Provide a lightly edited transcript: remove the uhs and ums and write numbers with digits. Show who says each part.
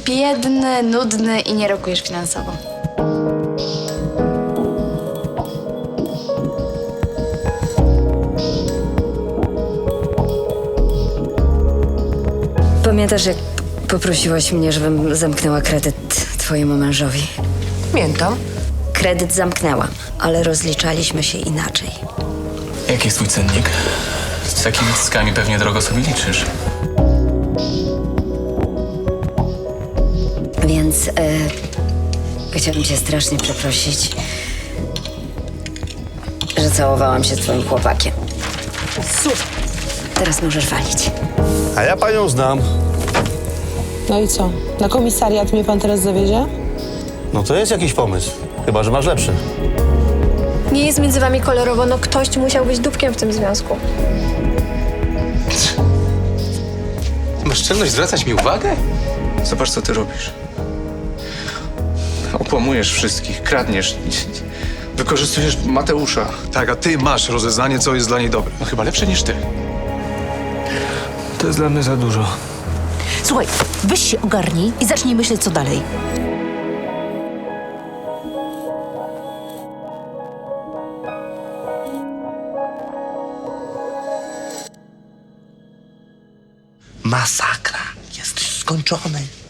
Speaker 1: biedny, nudny i nie rokujesz finansowo.
Speaker 2: Pamiętasz, jak poprosiłaś mnie, żebym zamknęła kredyt twojemu mężowi?
Speaker 3: Pamiętam.
Speaker 2: Kredyt zamknęłam, ale rozliczaliśmy się inaczej.
Speaker 4: Jaki jest twój cennik? Z takimi zyskami pewnie drogo sobie liczysz.
Speaker 2: Więc chciałabym cię strasznie przeprosić, że całowałam się z twoim chłopakiem.
Speaker 3: Super.
Speaker 2: Teraz możesz walić.
Speaker 5: A ja panią znam.
Speaker 6: No i co? Na komisariat mnie pan teraz zawiezie?
Speaker 5: No to jest jakiś pomysł. Chyba że masz lepszy.
Speaker 7: Nie jest między wami kolorowo, no ktoś musiał być dupkiem w tym związku.
Speaker 4: Masz czelność zwracać mi uwagę? Zobacz, co ty robisz. Okłamujesz wszystkich, kradniesz, wykorzystujesz Mateusza.
Speaker 8: Tak, a ty masz rozeznanie, co jest dla niej dobre.
Speaker 4: No chyba lepsze niż ty. To jest dla mnie za dużo.
Speaker 3: Słuchaj, weź się ogarnij i zacznij myśleć, co dalej.
Speaker 9: Masakra. Jesteś skończony.